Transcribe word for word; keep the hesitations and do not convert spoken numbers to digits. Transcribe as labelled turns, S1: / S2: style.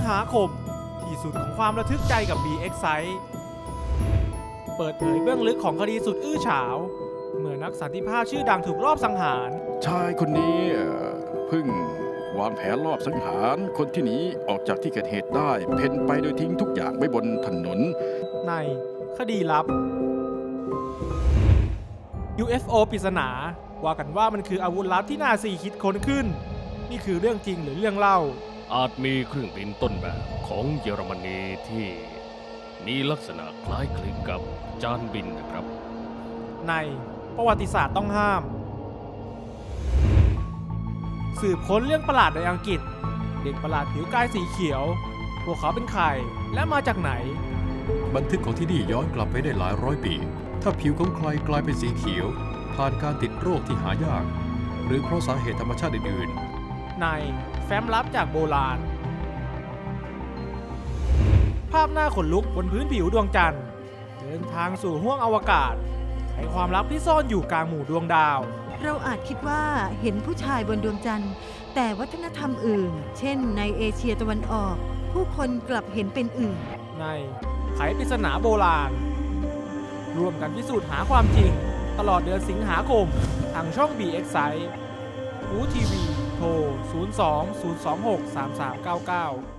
S1: หาคมที่สุดของความระทึกใจกับ บี เอ็กซ์ Site เปิดเผยเบื้องลึกของคดีสุดอื้อฉาวเมื่อนักสันติภาพชื่อดังถูกลอบสังหาร
S2: ชายคนนี้เอ่อเพิ่งวางแผนลอบสังหารคนที่หนีออกจากที่เกิดเหตุได้เพ่นไปโดยทิ้งทุกอย่างไว้บนถนน
S1: ในคดีลับ ยู เอฟ โอ ปริศนาว่ากันว่ามันคืออาวุธลับที่นาซีคิดค้นขึ้น นี่คือเรื่องจริงหรือเรื่องเล่า
S3: อาจมีเครื่องบินต้นแบบของเยอรมนีที่มีลักษณะคล้ายคลึงกับจานบินนะครับ
S1: ในประวัติศาสตร์ต้องห้าม สืบค้นเรื่องประหลาดในอังกฤษ เด็กประหลาดผิวกายสีเขียว พวกเขาเป็นใครและมาจากไหน
S4: บันทึกของที่นี่ย้อนกลับไปได้หลายร้อยปี ถ้าผิวของใครกลายเป็นสีเขียว ผ่านการติดโรคที่หายาก หรือเพราะสาเหตุธรรมชาติอื่น
S1: ในแฟ้มลับจากโบราณ ภาพหน้าขนลุกบนพื้นผิวดวงจันทร์ เดินทางสู่ห้วงอวกาศไขความลับที่ซ่อนอยู่กลางหมู่ดวงดาว
S5: เราอาจคิดว่าเห็นผู้ชายบนดวงจันทร์ แต่วัฒนธรรมอื่น เช่นในเอเชียตะวันออก ผู้คนกลับเห็นเป็นอื่น
S1: ในไขปริศนาโบราณ ร่วมกันพิสูจน์หาความจริง ตลอดเดือนสิงหาคม ทางช่อง บี เอ็กซ์ Site อูทีวี โทร ศูนย์ สอง ศูนย์ สอง หก สาม สาม เก้า เก้า